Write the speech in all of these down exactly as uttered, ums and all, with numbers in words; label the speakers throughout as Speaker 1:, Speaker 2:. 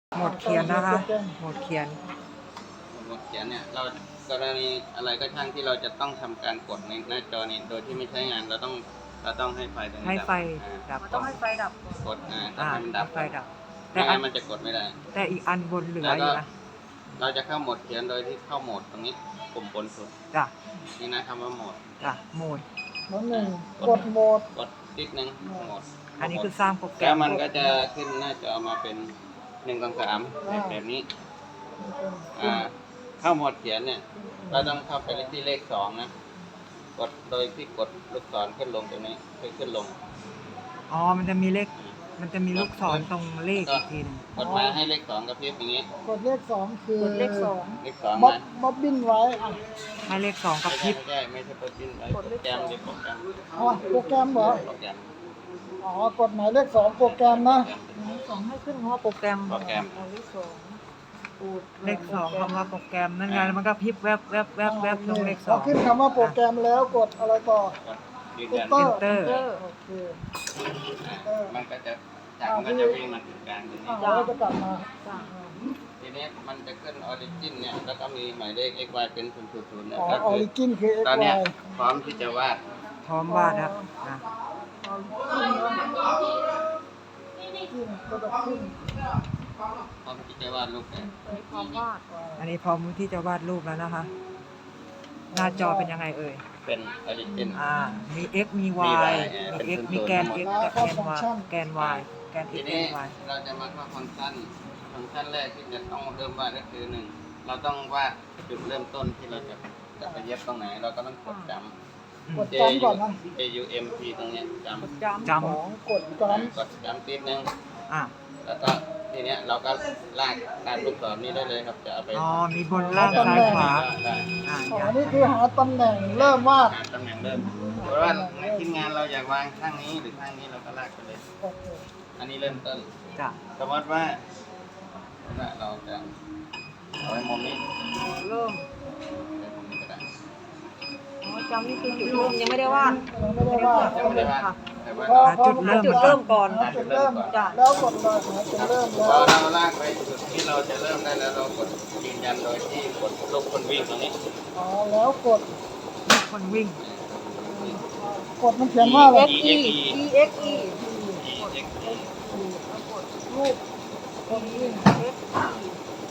Speaker 1: หมดเขียนนะคะหมดเขียน
Speaker 2: หมดเขียนเนี่ยเรากรณีอะไรก็ช่างที่เราจะต้องทำการกดในหน้าจอนี้โดยที่ไม่ใช้งานเราต้องเราต้องให้ไฟตรงนี้
Speaker 1: ให้ไฟ
Speaker 2: ดับ
Speaker 1: ดับ
Speaker 3: ต้องให้ไฟดับ
Speaker 2: กดอ่าต้องให้มันดับ
Speaker 1: ไฟดับ
Speaker 2: ไม่
Speaker 1: แต่อั
Speaker 2: งั้
Speaker 1: น
Speaker 2: นมันจะกดไม่ได้
Speaker 1: แต่อีกอันบนเหลือ
Speaker 2: แล้ว
Speaker 1: อ
Speaker 2: ก็
Speaker 1: ยู่นะ
Speaker 2: เราจะเข้าโหมดเขียนโดยที่เข้าโหมดตรงนี้ปุ่มบนสุด
Speaker 1: จ้ะ
Speaker 2: นี่นะคำว่าโหมด
Speaker 1: จ้ะโหมด
Speaker 3: น้องหนึ่งกดโหมด
Speaker 2: กดติ๊กหนึ่งโหมด
Speaker 1: อันนี้คือสร้างโปรแกร
Speaker 2: แล้ว
Speaker 1: ม
Speaker 2: มันก็จะขึ้นหน้าจอมาเป็นหนึ่งสองสามแบบแบบนี้อ่าเข้าโหมดเขียนเนี่ยเราต้องเข้าไปที่เลขสองนะกดโดยที่กดลูกศรขึ้นลงตรงนี้คือขึ้นลง
Speaker 1: อ๋อมันจะมีเลขมันจะมีลูกศรตรงเลขอีกทีหนึง
Speaker 2: กดมาให้เลขสองกระพริบอย่างนี้
Speaker 3: กดเลขสองคือก
Speaker 4: ดเลขสอง
Speaker 2: เลขสอง
Speaker 3: บ๊อบ
Speaker 2: นะ
Speaker 3: บ๊อบบินไว้อ่ะ
Speaker 1: ให้เลขสองกับ
Speaker 2: ไม่
Speaker 1: พริ
Speaker 2: ใช่
Speaker 1: บ
Speaker 2: ไม่ใช่ไม่ใช่โปรแกรมไว้โปรแกรมเรียกโปรแกรม
Speaker 3: อ๋อโปรแกรมเหรอ
Speaker 2: โปรแกรม
Speaker 3: อ๋อกดหมายเลขสองโปรแกรมนะ
Speaker 4: สองให้ขึ้นคำว่าโปรแกรม
Speaker 2: โปรแกรม
Speaker 4: เลขสองปูด
Speaker 1: เลขสองคำว่าโปรแกรมนั่นไงมันก็พริบแวบแวบแวบแวบตรงเลขส
Speaker 3: พ
Speaker 1: อ
Speaker 3: อง ขึ้นคำว่าโปรแกรมแล้วกดอะไรต่อก
Speaker 2: ดยืนยัน
Speaker 3: Enter
Speaker 1: เตอร์
Speaker 4: เจอ
Speaker 3: โอเค
Speaker 2: อ่ามันก็จะจากมันก็จะวิ่งมาถึงกลางตรงนี้
Speaker 3: อ่ะแล้วจะกลับมา
Speaker 4: จ้ะ
Speaker 2: ทีนี้มันจะขึ้นออริจินเนี่ยแล้วก็มีหมายเลข x y เป็นศูนย์ศูนย์ศูนย์เนี่ย
Speaker 3: อ๋อ
Speaker 2: ก็
Speaker 3: ออ
Speaker 2: คือ
Speaker 3: ริจินคือ x
Speaker 2: ตอนเนี้ย
Speaker 3: y
Speaker 2: พร้อมที่จะวาด
Speaker 1: พร้อมวาดครับอ่ะ
Speaker 3: จิ้มก็จะขึ้น
Speaker 2: พร้อมที่จะวาดรูปเนี่ย
Speaker 4: ใช้ความวาด
Speaker 1: อันนี้พร้อมที่จะวาดรูปแล้วนะคะ หน้าจอเป็นยังไงเอ่ย
Speaker 2: เป็นออริจิน
Speaker 1: อ่า มี x มี
Speaker 2: มี
Speaker 1: y
Speaker 2: y
Speaker 1: มี x มีแกน x กับแกน y แกน y แกน
Speaker 2: ที
Speaker 1: x แก
Speaker 2: นี้
Speaker 1: น y
Speaker 2: เราจะมาเข้าฟังก์ชันฟังก์ชันแรกที่จะต้องเริ่มวาดก็คือหนึ่งเราต้องวาดจุดเริ่มต้นที่เราจะจะไปเย็บตรงไหน เราก็ต้องกดจำ
Speaker 3: กดจำก่อนนะ
Speaker 2: J U M P ตรงเนี้ยจำ
Speaker 4: กดจำ
Speaker 1: จ
Speaker 3: สองกดจ
Speaker 2: กดจำติดนึง
Speaker 1: ำอ่ะ
Speaker 2: แล้วก็ทีเนี้ยเราก็ลากตามลูกศรนี้ได้เลยครับจะเอาไป
Speaker 1: อ๋อ มีบนล่างซ้ายขวา
Speaker 2: ได้
Speaker 1: อ่า
Speaker 3: ำอ๋อ
Speaker 1: อย่าง
Speaker 3: นี่คือหาตำแหน่งเริ่มวาด
Speaker 2: หาตำแหน่งเริ่มเพราะว่าในทีมงานเราอยากวางข้างนี้หรือข้างนี้เราก็ลากไปเลย
Speaker 3: โอเค
Speaker 2: อันนี้เริ่มต้น
Speaker 1: จ้ะ
Speaker 2: สมมติว่าว่าเราจะเอาไว้มุมนี้
Speaker 4: เริ่ม
Speaker 2: ไว้มุมนี้ก็ได้
Speaker 4: อ๋อจำนี่คือจุดเริ่มยังไม่ได้วาด
Speaker 3: ยังไม่ได้วาด
Speaker 2: ยังไม่ได้วาด
Speaker 4: ค่ะ
Speaker 2: แต่ว่า
Speaker 3: พอ
Speaker 2: เรา
Speaker 3: พอ
Speaker 1: จุดเริ่ม
Speaker 4: จุดเริ่มก่อน
Speaker 3: หาจุดเริ่ม
Speaker 4: จ้ะ
Speaker 3: แล้วกดเลยหาจุดเริ่ม
Speaker 2: พอ
Speaker 3: แล้ว
Speaker 2: เราลากไปจุดที่เราจะเริ่มได้แล้วเรากดยืนยันโดยที่กดลูกคนวิ่งตรงนี้
Speaker 3: อ๋อแล้วกด
Speaker 1: มีคนวิ่ง
Speaker 3: กดมันเขียนว่าอะไร
Speaker 4: E X E E X E
Speaker 2: E X E
Speaker 4: แล้วกด
Speaker 3: รูปคนวิ่ง
Speaker 4: X E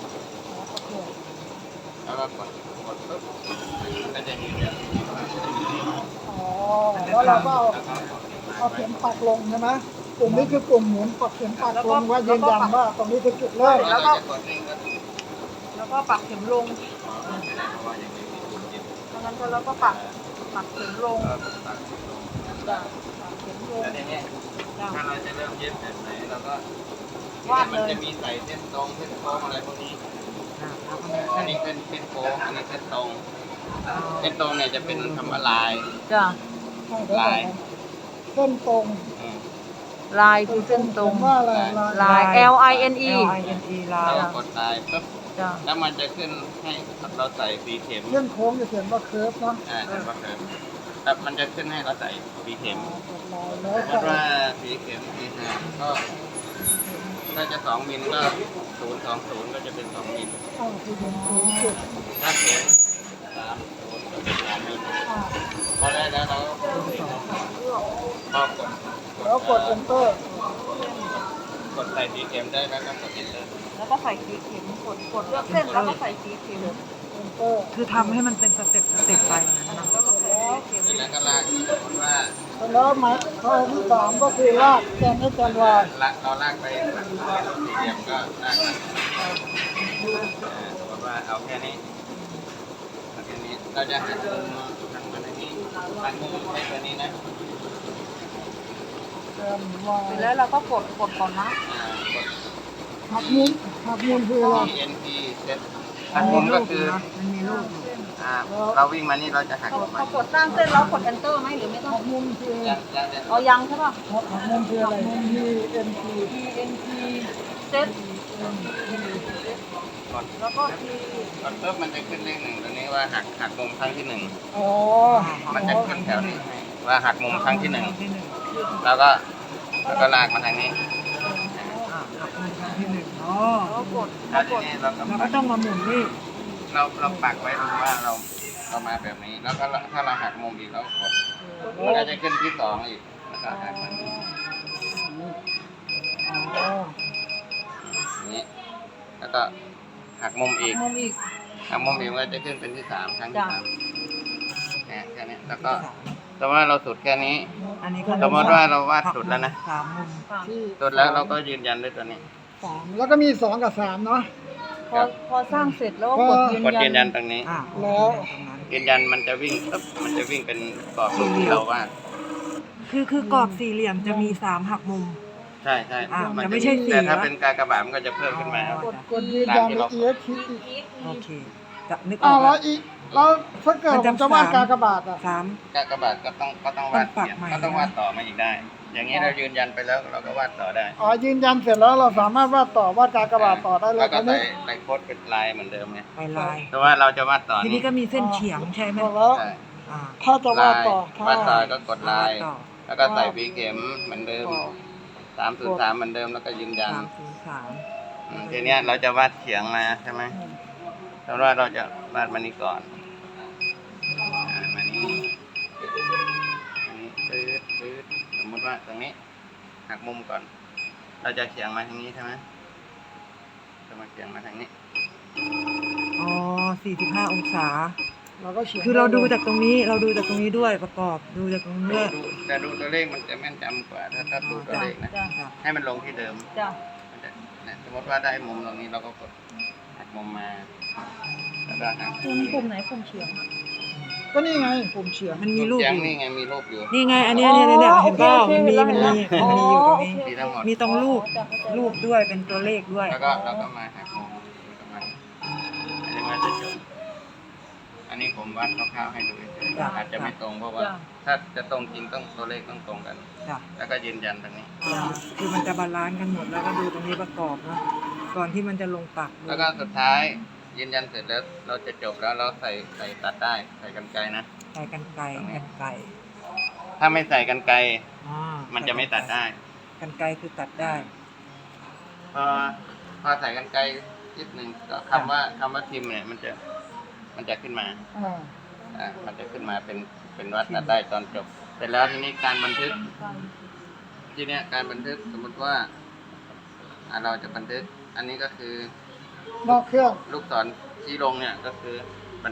Speaker 2: แล้วก็กดกดปุ๊บมันก็จะยืนยัน
Speaker 3: อ๋อแล้วเราก็เอา
Speaker 2: แล้วก็
Speaker 3: เอาเข็มปักลงใช่ไหมกลุ่มนี้คือกลุ่มหมุนปักเข็มปักลงว่ายืนยันว่าตรงนี้คือจุดเริ่ม
Speaker 2: แล้วก็กดวิ่งก็
Speaker 4: แล้วก็ปักเข็มลง
Speaker 2: ไม่ได้เพราะว่ายังไม่มีคนเก็บ
Speaker 4: ดังนั้นก็แล้วก็ปักปักเข็มลง
Speaker 2: ก็ตัดลง
Speaker 4: จ้ะปักเข็มลง
Speaker 2: แล้วทีนี้
Speaker 4: จ้ะ
Speaker 2: ถ้าเราจะเริ่มเย็บแบบไหนเราก็
Speaker 4: วาดเลย
Speaker 2: มันจะมีใส่เส้นตรงเส้นโค้งอะไรพวกนี้
Speaker 1: อ่ะแล้วก็มี
Speaker 2: อั
Speaker 1: เส้
Speaker 2: น
Speaker 1: น
Speaker 2: นี้เป็นเส้นโค้งอันนี้เส้นตรง
Speaker 1: อ๋อ
Speaker 2: เส้นตรงเนี่ยจะเป็นคำว่าลาย
Speaker 4: จ้ะ
Speaker 2: ลาย
Speaker 3: เส้นตรง
Speaker 2: อืม
Speaker 4: ลายคือเส้นตรง
Speaker 3: ว่าอะไร
Speaker 4: ลาย L I N E
Speaker 1: L I N E ลา
Speaker 2: เรา
Speaker 1: ย
Speaker 2: ก็กดลายปุ๊บ
Speaker 4: จ้ะ
Speaker 2: แล้วมันจะขึ้นให้เราใส่สีเข็ม
Speaker 3: เส้นโค้งจะเขียนว่าเคิร์ฟเนาะ
Speaker 2: อ่าจะว่าเข็มแต่มันจะขึ้นให้เราใส่สีเข็ม
Speaker 3: กดลายแล้ว
Speaker 2: สมม
Speaker 3: ใส่
Speaker 2: ติว่าสีเข็มสีห้าก็ถ้าจะสองมิลก็ศูนย์สองศูนย์ก็จะเป็นสองมิล
Speaker 3: อ้าวคือเป็นศูนย์จุด
Speaker 2: ถ้าเข็มสามศูนย์ก็เป็นสามมิล
Speaker 3: อ่า
Speaker 2: พอได้แล้วเราก็พอกด
Speaker 3: แล้วกด enter
Speaker 2: กดใส่สีเข็มได้แล้วก็กด enter
Speaker 4: แล้วก็ใส่สีเข็มกดกดเลือกเส้นแล้วก็ใส่สีเข็ม
Speaker 3: enter
Speaker 1: คือทำให้มันเป็นสเต็ปสเต็ปไปอย่างนั้นนะ
Speaker 4: แล้วก็ใส่สีเข็ม
Speaker 2: เสร็จแล้วก็ลากสมมติว่า
Speaker 3: แล้วหมายข้อที่สามก็คือลากแกนให้แกนวาย
Speaker 2: ละเราลากไปเป็นสี่เหลี่ยมก็ลากมาเอ่อสมมติว่าเอาแค่นี้เอาแค่นี้เราจะหันมุมทางมาทางนี้หันมุมใช้ตัวนี้นะ
Speaker 3: แกนวาย
Speaker 4: เสร็จแล้วเราก็กดกดก่อนนะ
Speaker 2: อ่ากด
Speaker 3: หักมุมหักมุมคืออะไร
Speaker 2: T N P เซตหักมุมก็คือ
Speaker 1: มันมีรูปอยู่
Speaker 2: อ่าเราวิ่งมานี่เราจะหัก
Speaker 4: พอ
Speaker 2: มุม
Speaker 4: พ
Speaker 2: มา
Speaker 4: อกดสร้างเส้นแล้วกด enter ไหมหรือไม่ต้อง
Speaker 3: หักมุมคือ
Speaker 2: ยังยังจะ
Speaker 4: เอายังใช่ป่ะ
Speaker 3: หักหักมุมคืออะไรมุม E N T
Speaker 4: E N T เซ็ต
Speaker 2: กด
Speaker 4: แล้วก็ T
Speaker 2: กดปุ๊บมันจะขึ้นเลขหนึ่งตัวนี้ว่าหักหักมุมครั้งที่หนึ่ง
Speaker 3: อ๋อ
Speaker 2: มันจะขึ้นแถวนี้ให้ว่าหักมุมครั้งที่หนึ่ง
Speaker 1: ที่หนึ่ง
Speaker 2: แล้วก็แล้วก็ลากมาทางนี้
Speaker 1: อ่ะหักมุมครั้งที่หนึ่งเนาะอ๋อ
Speaker 4: แล้วก็กด
Speaker 2: แล้
Speaker 4: แล้ว ว
Speaker 2: ที
Speaker 4: กด
Speaker 2: นี้เราก็
Speaker 1: แล้ว
Speaker 2: ปั
Speaker 1: ก็
Speaker 2: ก
Speaker 1: ต้องมาหมุนนี่
Speaker 2: เราเราปักไว้ตรงว่าเราเรามาแบบนี้ แล้วก็ถ้าเราหักมุมอีกเราก็กดมันก็จะขึ้นที่สองอีกแล้วก็หักมัน
Speaker 3: อ๋อ
Speaker 2: อย่างนี้ แล้วก็หักมุมอีก
Speaker 4: มุมอีก
Speaker 2: หักมุมอีกมันก็จะขึ้นเป็นที่สามครั้งที่
Speaker 4: จ้ะ
Speaker 2: สามเนี่ยแค่นี้แล้วก็แต่ว่าเราสุดแค่นี้
Speaker 1: อันนี้ก็
Speaker 2: สมมติว่าเราวาดสุดแล้วนะ
Speaker 1: สามมุม
Speaker 4: สาม
Speaker 3: ที่
Speaker 2: สุดแล้วเราก็ยืนยันด้วยตัวนี้
Speaker 3: สามแล้วก็มีสองกับสามเนาะ
Speaker 4: พอพอสร้างเสร็จแล้วก็กดยืน
Speaker 2: กดยืนยั
Speaker 4: ยั
Speaker 2: น
Speaker 4: น
Speaker 2: ตรงนี้
Speaker 1: อ่า
Speaker 3: แล้ว
Speaker 1: ตรงนั้น
Speaker 2: ยืนยันมันจะวิ่งปึ๊บมันจะวิ่งเป็นกรอบรูปที่เราวาด
Speaker 1: คือคือกรอบสี่เหลี่ยมจะมีสามหักมุม
Speaker 2: ใช่ใช่
Speaker 1: อ่า
Speaker 2: มัน
Speaker 1: จะไม่ใช่สี่
Speaker 2: แต่ถ้า
Speaker 1: นะ
Speaker 2: เป็นกากบาทมันก็จะเพิ่มขึ้นมา
Speaker 1: อ๋อ
Speaker 3: กดกดยืนยันอีกทีอีก
Speaker 1: โอเคจะนึกอ
Speaker 3: อ้า
Speaker 1: อ
Speaker 3: ว
Speaker 1: ก
Speaker 3: แล้
Speaker 1: แล้ว ว
Speaker 3: อีกแล้วถ้าเกิดผมจะวาดกากบาทอ่ะ
Speaker 1: สาม
Speaker 2: กากบาทก็ต้องก็ต้องวาด
Speaker 1: ต้องปัก
Speaker 2: เขียน
Speaker 1: ใหม่
Speaker 2: ก็ต้องวาดต่อมาอีกได้ อย่างนี้เรายืนยันไปแล้วเราก็วาดต่อได้
Speaker 3: อ๋อยืนยันเสร็จแล้วเราสามารถวาดต่อวาดกากบาทต่อได้เล
Speaker 2: แล้
Speaker 3: ยว
Speaker 2: ก็
Speaker 3: ตอน
Speaker 2: ใส่
Speaker 3: นี้
Speaker 2: ใส่โค้ดเป็นลายเหมือนเดิมไง
Speaker 1: ไปลาย
Speaker 2: แต่ว่าเราจะวาดต่อ
Speaker 1: ทีนี้ก็มีเส้นเฉียงใช่ไหม
Speaker 3: บอกแล้ว
Speaker 2: ใช่
Speaker 1: อ่า
Speaker 3: ถ้าจะวา
Speaker 2: ลา
Speaker 3: ด
Speaker 2: ย
Speaker 3: ต่อ
Speaker 2: วาดต่อ
Speaker 3: ถ้า
Speaker 2: ก็กดลาย
Speaker 1: ต่อ
Speaker 2: แล้วก็ใส่ปีเข็มเหมือนเดิมสามศูนย์สามเหมือนเดิมแล้วก็ยืนยัน
Speaker 1: สามศูนย์สาม
Speaker 2: อืมทีเนี้ยเราจะวาดเฉียงมาใช่ไหมสมมติว่าเราจะวาดมานี้ก่อนอ่ามานี้อันนี้ปื๊ดปื๊ดสมมติว่าตรงนี้หักมุมก่อน เราจะเฉียงมาทางนี้ใช่ไหมจะมาเฉียงมาทางนี้
Speaker 1: อ๋อสี่สิบห้าองศา
Speaker 3: เราก็เขียน
Speaker 1: คือเราดูจากตรงนี้เราดูจากตรงนี้ด้วยประกอบดูจากตรงนี้
Speaker 2: ดู
Speaker 1: ด้วย
Speaker 2: ดูแต่ดูตัวเลขมันจะแม่นจำกว่า ถ้าถ้าดูตัว
Speaker 4: จ้ะ
Speaker 2: เลขนะ
Speaker 4: จ้ะ
Speaker 1: จ้ะ
Speaker 2: ให้มันลงที่เดิม
Speaker 4: จ้ะ
Speaker 2: มันจะเนี่ยสมมติว่าได้มุมตรงนี้เราก็กดหักมุมมา แล้วก็หัก
Speaker 4: ปุ่มปุ่มไหนปุ่มเฉียงอะ
Speaker 3: ก็นี่ไงผมเฉียง
Speaker 1: มันมีรูป
Speaker 2: เฉีย
Speaker 1: อง ยู่
Speaker 2: นี่ไงมีรูปอยู่
Speaker 1: นี่ไงอันเนี้ยเนี่ยเนี่ยเนี่ยเห็นเปล่า
Speaker 4: โอเค
Speaker 1: มันมี
Speaker 4: โอ
Speaker 1: มัน
Speaker 4: เค
Speaker 1: มี
Speaker 4: เห็นแล้ว
Speaker 1: มันมีอยู่ตรงนี้
Speaker 4: อ๋อโอเค
Speaker 2: มีทั้งหมด
Speaker 1: มีตรงรูป
Speaker 4: จ้ะเข้าใจ
Speaker 1: รูปด้วยเป็นตัวเลขด้วย
Speaker 2: แล้วก็เราก็มาหักมุมแล้วก็มาอันนี้ว่าจะจบอันนี้ผมวาดคร่าวๆให้ดูเฉย
Speaker 1: จ้ะ
Speaker 2: ๆอาจจะไม่ตรงเพราะว่า
Speaker 4: จ้ะ
Speaker 2: ถ้าจะตรงจริงต้องตัวเลขต้องตรงกัน
Speaker 1: จ้ะ
Speaker 2: แล้วก็ยืนยันตรงนี้
Speaker 1: คือมันจะบาลานซ์กันหมดแล้วก็ดูตรงนี้ประกอบนะก่อนที่มันจะลงปัก
Speaker 2: แล้วก็สุดท้ายยืนยันเสร็จแล้วเราจะจบแล้วเราใส่ใส่ตัดได้ใส่กรรไกรนะ
Speaker 1: ใส่กันไกรกันไกร
Speaker 2: ถ้าไม่ใส่กรรไกร
Speaker 1: อ่า
Speaker 2: มันจะไม่ตัดได้
Speaker 1: กันไกรคือตัดได้
Speaker 2: พอพอใส่กรรไกรนิดหนึ่งก็คำว่าคำว่าทิมเนี่ยมันจะมันจะขึ้นมา
Speaker 3: อ่า
Speaker 2: อ่ามันจะขึ้นมาเป็นเป็นวัดตัดได้ตอนจบเสร็จแล้วทีนี้การบันทึกทีเนี้ยการบันทึกสมมติว่าอ่าเราจะบันทึก อันนี้ก็คือน
Speaker 3: อกเครื่อง
Speaker 2: ลูกศรชี้ลงเนี่ยก็คือ